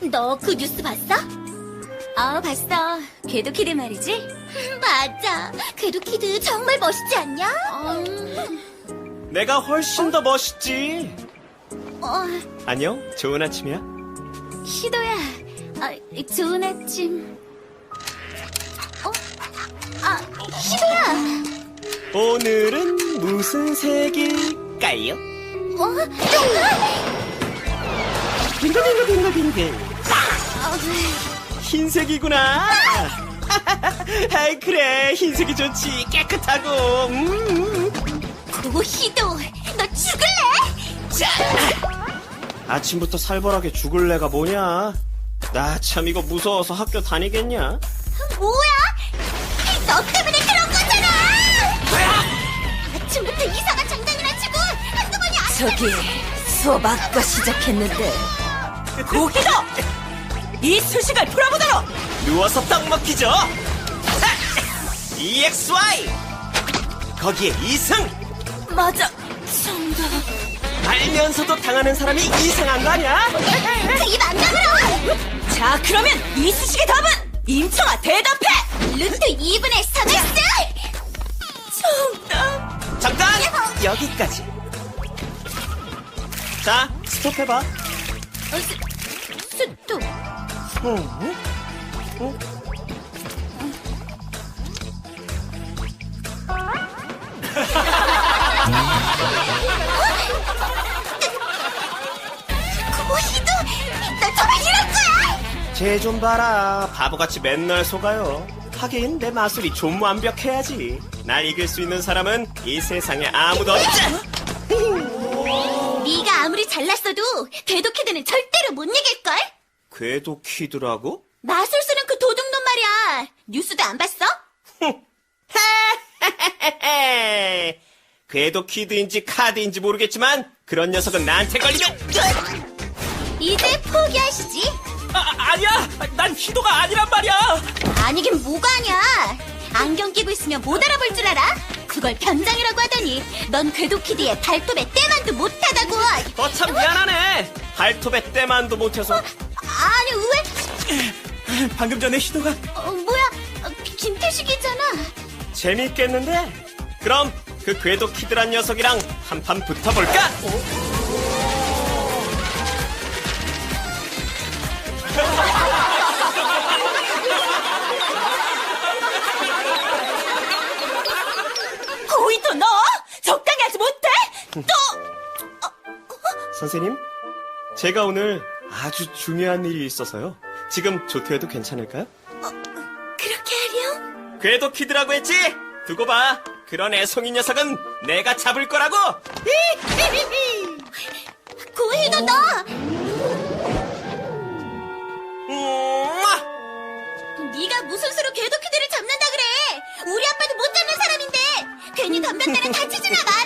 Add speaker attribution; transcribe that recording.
Speaker 1: 너 그 뉴스 봤어?
Speaker 2: 봤어. 궤도키드 말이지?
Speaker 1: 맞아. 궤도키드 정말 멋있지 않냐?
Speaker 3: 내가 훨씬 더 멋있지. 안녕, 좋은 아침이야.
Speaker 2: 희도야. 좋은 아침.
Speaker 1: 희도야.
Speaker 3: 오늘은 무슨 색일까요? 빙글빙글빙글빙글. 흰색이구나. 아이, 그래, 흰색이 좋지. 깨끗하고.
Speaker 1: 오, 희도. 너 죽을래?
Speaker 3: 자, 아침부터 살벌하게 죽을래가 뭐냐? 나 참 이거 무서워서 학교 다니겠냐?
Speaker 1: 뭐야? 너 때문에 그런 거잖아! 아침부터 이상한 장난이나 치고 한꺼번에 안
Speaker 2: 저기, 수업 아까 시작했는데. 고기도! 이 수식을 풀어보도록!
Speaker 3: 누워서 떡 먹기죠. EXY 거기에 이승.
Speaker 2: 맞아, 정답.
Speaker 3: 알면서도 당하는 사람이 이상한 거 아니야?
Speaker 1: 그입안 다물어!
Speaker 2: 자, 그러면 이 수식의 답은 임청아 대답해!
Speaker 1: 루트 2분의 3x!
Speaker 2: 정답.
Speaker 3: 잠깐! 여기까지. 자, 스톱해봐.
Speaker 1: 스톱. 고희도 너 정말 이럴 거야?
Speaker 3: 쟤 좀 봐라. 바보같이 맨날 속아요. 하긴 내 마술이 좀 완벽해야지. 날 이길 수 있는 사람은 이 세상에 아무도 없지.
Speaker 1: 네가 아무리 잘났어도 궤도키드는 절대로 못 이길걸?
Speaker 3: 궤도 키드라고?
Speaker 1: 마술 쓰는 그 도둑놈 말이야. 뉴스도 안 봤어?
Speaker 3: 궤도 키드인지 카드인지 모르겠지만 그런 녀석은 나한테 걸리면
Speaker 1: 이제 포기하시지.
Speaker 3: 아니야. 난 희도가 아니란 말이야.
Speaker 1: 아니긴 뭐가 아냐. 안경 끼고 있으면 못 알아볼 줄 알아? 그걸 변장이라고 하더니 넌 궤도키드의 발톱에 때만도 못하다고.
Speaker 3: 참 미안하네. 발톱에 때만도 못해서.
Speaker 1: 아니 왜?
Speaker 3: 방금 전에 희도가
Speaker 1: 뭐야? 김태식이잖아.
Speaker 3: 재밌겠는데? 그럼 그 궤도 키드란 녀석이랑 한판 붙어볼까?
Speaker 2: 고이도 너 적당히 하지 못해?
Speaker 3: 선생님, 제가 오늘 아주 중요한 일이 있어서요. 지금 조퇴해도 괜찮을까요?
Speaker 1: 그렇게 하렴?
Speaker 3: 궤도 키드라고 했지? 두고 봐. 그런 애송이 녀석은 내가 잡을 거라고.
Speaker 1: 고희도 너. 네가 무슨 수로 궤도키드를 잡는다 그래? 우리 아빠도 못 잡는 사람인데 괜히 덤볐다가 다치지 나가.